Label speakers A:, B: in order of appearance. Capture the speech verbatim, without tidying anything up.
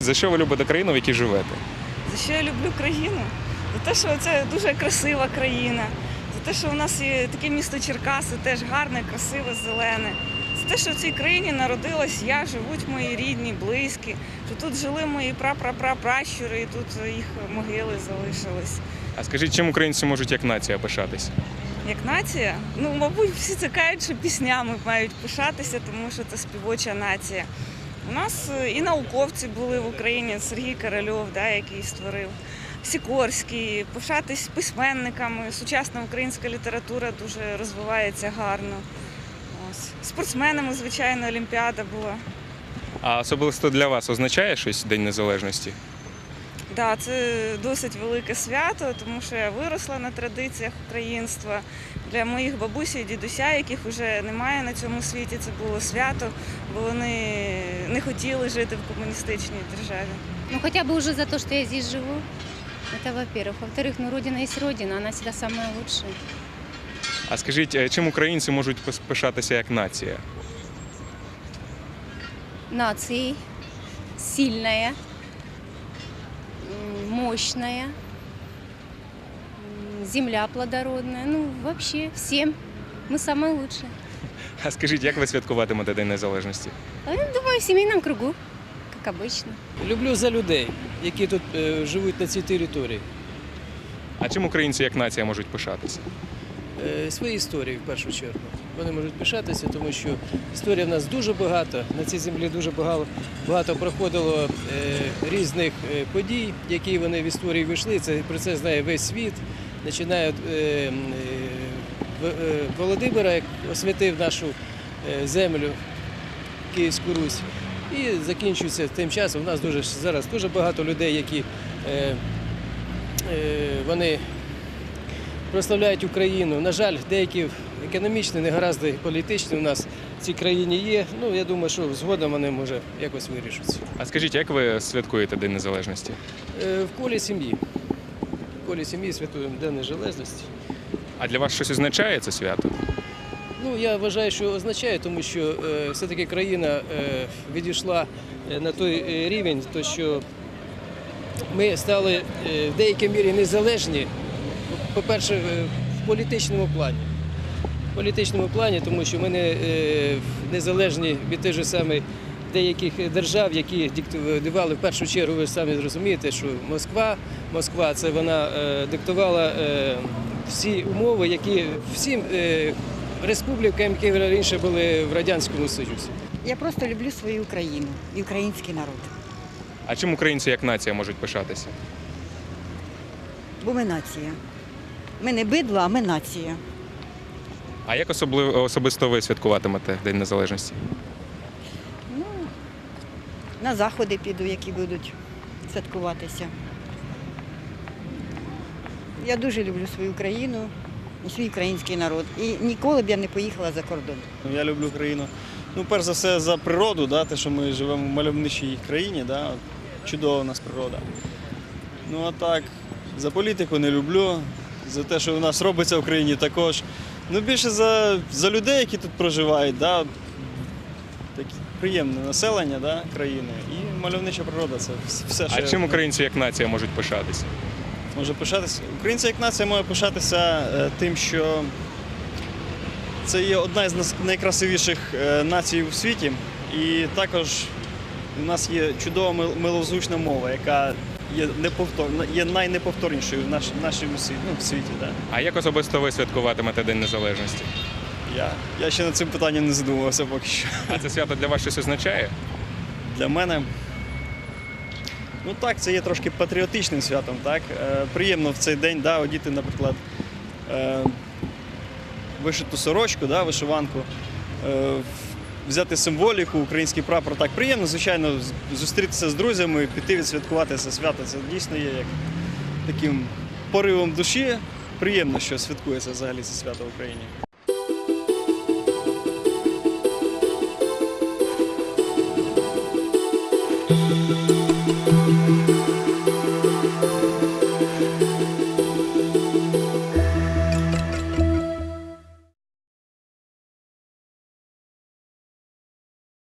A: За що ви любите країну, в якій живете?
B: За що я люблю країну? За те, що це дуже красива країна. За те, що у нас є таке місто Черкаси, теж гарне, красиве, зелене. За те, що в цій країні народилась я, живуть мої рідні, близькі, що тут жили мої прапрапрапращури, і тут їх могили залишились.
A: А скажіть, чим українці можуть як нація пишатися?
B: Як нація? Ну, мабуть, всі це кажуть, що піснями мають пишатися, тому що це співоча нація. У нас і науковці були в Україні, Сергій Корольов, да, який створив, Сікорський, пишатись письменниками, сучасна українська література дуже розвивається гарно. Ось. Спортсменами, звичайно, Олімпіада була.
A: А особисто для вас означає щось День Незалежності?
B: Так, да, це досить велике свято, тому що я виросла на традиціях українства. Для моїх бабусі і дідуся, яких вже немає на цьому світі, це було свято, бо вони не хотіли жити в комуністичній державі.
C: Ну, хотя бы уже за то, что я здесь живу, это во-первых. Во-вторых, ну, Родина есть Родина, она всегда самая лучшая.
A: А скажіть, чим українці можуть пис- пишатися як нація?
C: Нацией, сильная, м, мощная, м, земля плодородная, ну, вообще всем. Мы самые лучшие.
A: А скажіть, як ви святкуватимете День Незалежності?
C: А я думаю, в семейном кругу, как обычно.
D: Люблю за людей, які тут е, живуть на цій території.
A: А чим українці як нація можуть пишатися?
D: Е, свої історії в першу чергу. Вони можуть пишатися, тому що історія в нас дуже багато. На цій землі дуже багато, багато проходило е, різних е, подій, які вони в історії вийшли. Це про це знає весь світ. Починає е, е, В- е, Володимира, як освятив нашу е, землю, Київську Русь. І закінчується тим часом. У нас дуже зараз дуже багато людей, які е, е, вони прославляють Україну. На жаль, деякі економічні негаразди політичні у нас в цій країні є. Ну, я думаю, що згодом вони, може, якось вирішаться.
A: А скажіть, як ви святкуєте День Незалежності?
D: Е, В колі сім'ї. В колі сім'ї святуємо День Незалежності.
A: А для вас щось означає це свято?
D: Ну, я вважаю, що означає, тому що е, все-таки країна е, відійшла е, на той е, рівень, то що ми стали е, в деякій мірі незалежні, по-перше, е, в політичному плані. В політичному плані, тому що ми не е, незалежні від тих же самих деяких держав, які диктували в першу чергу, ви ж самі зрозумієте, що Москва, Москва це вона е, диктувала е, всі умови, які всім е, республікам, які раніше були в Радянському Союзі.
E: Я просто люблю свою Україну і український народ.
A: А чим українці як нація можуть пишатися?
E: Бо ми нація. Ми не бидло, а ми нація.
A: А як особливо особисто ви святкуватимете День Незалежності?
E: Ну, на заходи піду, які будуть святкуватися. Я дуже люблю свою країну і свій український народ. І ніколи б я не поїхала за кордон.
F: Я люблю країну. Ну, перш за все, за природу, да, те, що ми живемо в мальовничій країні, да, от, чудова у нас природа. Ну а так, за політику не люблю, за те, що у нас робиться в країні також. Ну, більше за, за людей, які тут проживають, да, от, таке приємне населення, да, країни. І мальовнича природа це все, що
A: А
F: я
A: чим українці як нація можуть пишатися?
F: може пишатися. Українці як нація може пишатися е, тим, що це є одна з нас- найкрасивіших е, націй у світі. І також у нас є чудова мил- милозвучна мова, яка є неповторна, є найнеповторнішою в наш, в нашому світі, ну, в світі. Да.
A: А як особисто ви святкуватимете День Незалежності?
F: Я, я ще над цим питанням не задумувався поки що.
A: А це свято для вас щось означає?
F: Для мене, ну так, це є трошки патріотичним святом. Так? Е, приємно в цей день, да, одіти, наприклад, е, вишиту сорочку, да, вишиванку, е, взяти символіку, український прапор. Так, приємно, звичайно, з- зустрітися з друзями, піти відсвяткувати це свято. Це дійсно є як таким поривом душі. Приємно, що святкується взагалі це свято в Україні.
G: Thank you.